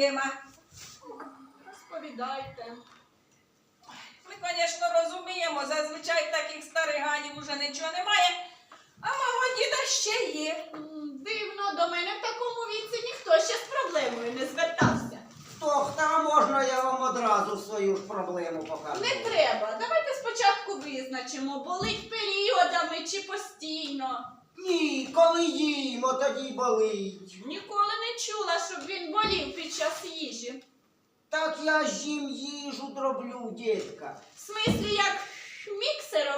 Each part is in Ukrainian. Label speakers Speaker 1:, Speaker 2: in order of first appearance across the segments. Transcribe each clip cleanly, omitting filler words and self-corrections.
Speaker 1: проблема.
Speaker 2: Розповідайте.
Speaker 1: Ми, звісно, розуміємо, зазвичай таких старих ганів уже нічого немає, а мого діда ще є.
Speaker 2: Дивно, до мене в такому віці ніхто ще з проблемою не звертався.
Speaker 3: Доктора, можна я вам одразу свою ж проблему покажу?
Speaker 2: Не треба. Давайте спочатку визначимо, болить періодами чи постійно.
Speaker 3: Ні, коли їмо, тоді болить.
Speaker 2: Ніколи не чула, щоб він болів під час їжі.
Speaker 3: Так я ж їм їжу дроблю, дітка.
Speaker 2: В смислі, як міксером?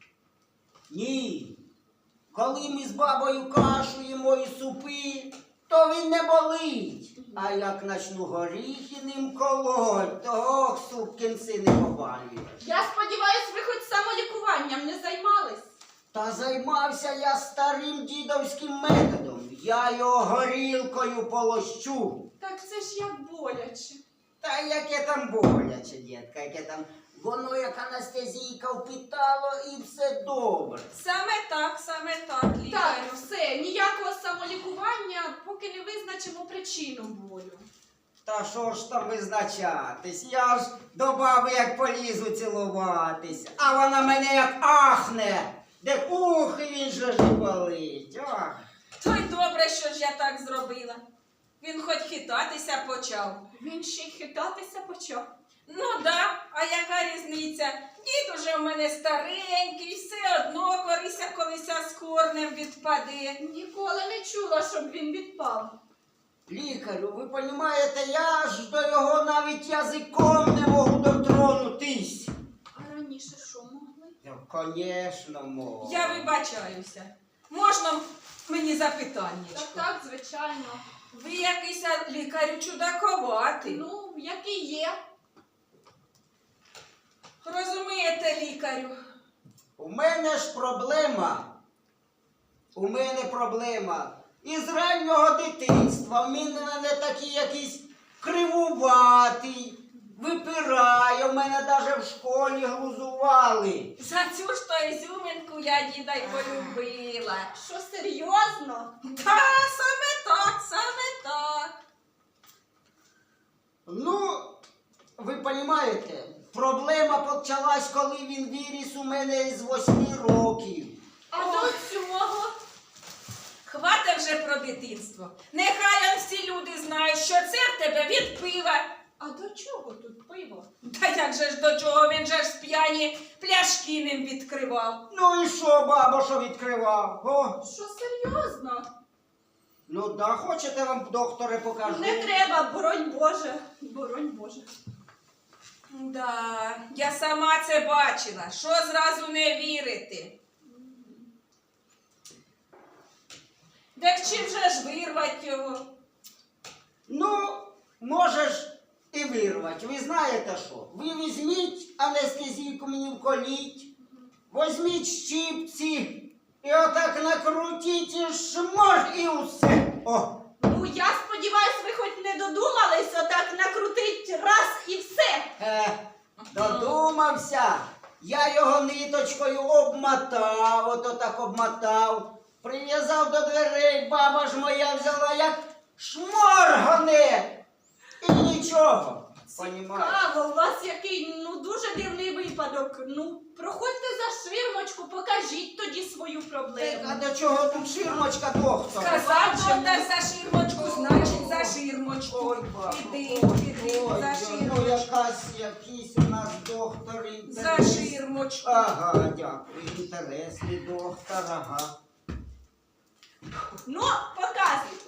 Speaker 3: Ні. Коли ми з бабою кашу їмо і супи, то він не болить. А як начну горіхи ним колоть, то ох, суп кінці не побалюєш.
Speaker 2: Я сподіваюсь, ви хоч самолікуванням не займались?
Speaker 3: Та займався я старим дідовським методом. Я його горілкою полощу.
Speaker 2: Так це ж як боляче.
Speaker 3: Та яке там боляче, дітка, яке там, воно як анестезійка впитало і все добре.
Speaker 1: Саме так,
Speaker 2: Так,
Speaker 1: лікарю.
Speaker 2: все, ніякого самолікування, поки не визначимо причину болю.
Speaker 3: Та що ж там визначатись? Я ж до баби як полізу цілуватись, а вона мене як ахне. Де ух, він же ж і болить. Ах.
Speaker 1: То й добре, що ж я так зробила. Він хоч хитатися почав.
Speaker 2: Він ще й хитатися почав.
Speaker 1: Ну да, а яка різниця? Дід уже в мене старенький, все одно колися з корнем відпаде.
Speaker 2: Ніколи не чула, щоб він відпав.
Speaker 3: Лікарю, ви розумієте, я ж до його навіть язиком не можу дотронутись.
Speaker 2: А раніше що могли?
Speaker 3: Звісно, можу.
Speaker 1: Я вибачаюся. Можна мені запитання?
Speaker 2: Так, звичайно.
Speaker 1: Ви якийсь лікарю чудаковатий.
Speaker 2: Ну, який є.
Speaker 1: Розумієте, лікарю?
Speaker 3: У мене ж проблема. У мене проблема. Із раннього дитинства. Він мене такий якийсь кривуватий, випирає. У мене навіть в школі глузували.
Speaker 1: За цю ж то ізюминку я діда й полюбила.
Speaker 2: Що, серйозно?
Speaker 1: Та, саме так, саме так.
Speaker 3: Ну, ви розумієте, проблема почалась, коли він виріс у мене із 8 років.
Speaker 2: А до цього?
Speaker 1: Хвата вже про дитинство. Нехай всі люди знають, що це в тебе від пива.
Speaker 2: А до чого тут пиво?
Speaker 1: Та як же ж до чого, він же ж з п'яні пляшки ним відкривав.
Speaker 3: Ну і що, бабо, що відкривав? О,
Speaker 2: Що, серйозно?
Speaker 3: ну да, хочете вам, докторе, покажу?
Speaker 2: Не треба, боронь Боже. Боронь Боже.
Speaker 1: Да, я сама це бачила. Що зразу не вірити? Так чим же ж вирвати його?
Speaker 3: Ну, можеш і вирвати. Ви знаєте що? Ви візьміть анестезійку мені вколіть, візьміть щипці і отак накрутіть і шмор і усе. О,
Speaker 2: Ну, я сподіваюсь, ви хоч не додумались отак накрутить раз і все.
Speaker 3: додумався. Я його ниточкою обмотав, ото так обмотав, прив'язав до дверей, баба ж моя взяла як шморгане. І нічого. Понімаєш?
Speaker 2: Цікаво, у вас який, дуже дивний випадок. Ну, проходьте за ширмочку, покажіть тоді свою проблему.
Speaker 3: А до чого тут ширмочка, доктор?
Speaker 1: Сказав, що так за ширмочку, значить за ширмочку.
Speaker 3: Ой, бабо,
Speaker 1: Іди,
Speaker 3: ой,
Speaker 1: за
Speaker 3: ну
Speaker 1: ширмочку.
Speaker 3: якийсь у нас доктор
Speaker 1: За
Speaker 3: інтересний.
Speaker 1: ширмочку.
Speaker 3: Ага, дякую, інтересний доктор, ага.
Speaker 2: Ну, показуйте.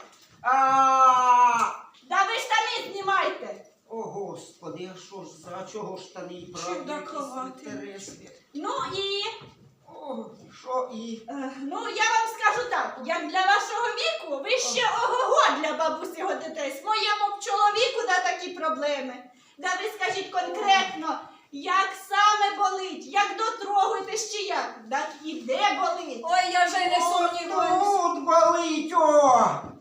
Speaker 3: А,
Speaker 2: Да ви штани знімайте.
Speaker 3: о, Господи, а що ж, за чого штани і правда
Speaker 1: Чудаковатий.
Speaker 3: інтересні?
Speaker 2: Ну і,
Speaker 3: О, що і?
Speaker 2: ну я вам скажу так, як для вашого віку, ви ще ого-го для бабусі годитесь. Моєму б чоловіку да такі проблеми. Да ви скажіть конкретно, як саме болить, як дотрогуєтесь чи як, так і де болить.
Speaker 1: Ой, я вже не сумніваюсь.
Speaker 3: Тут болить, о!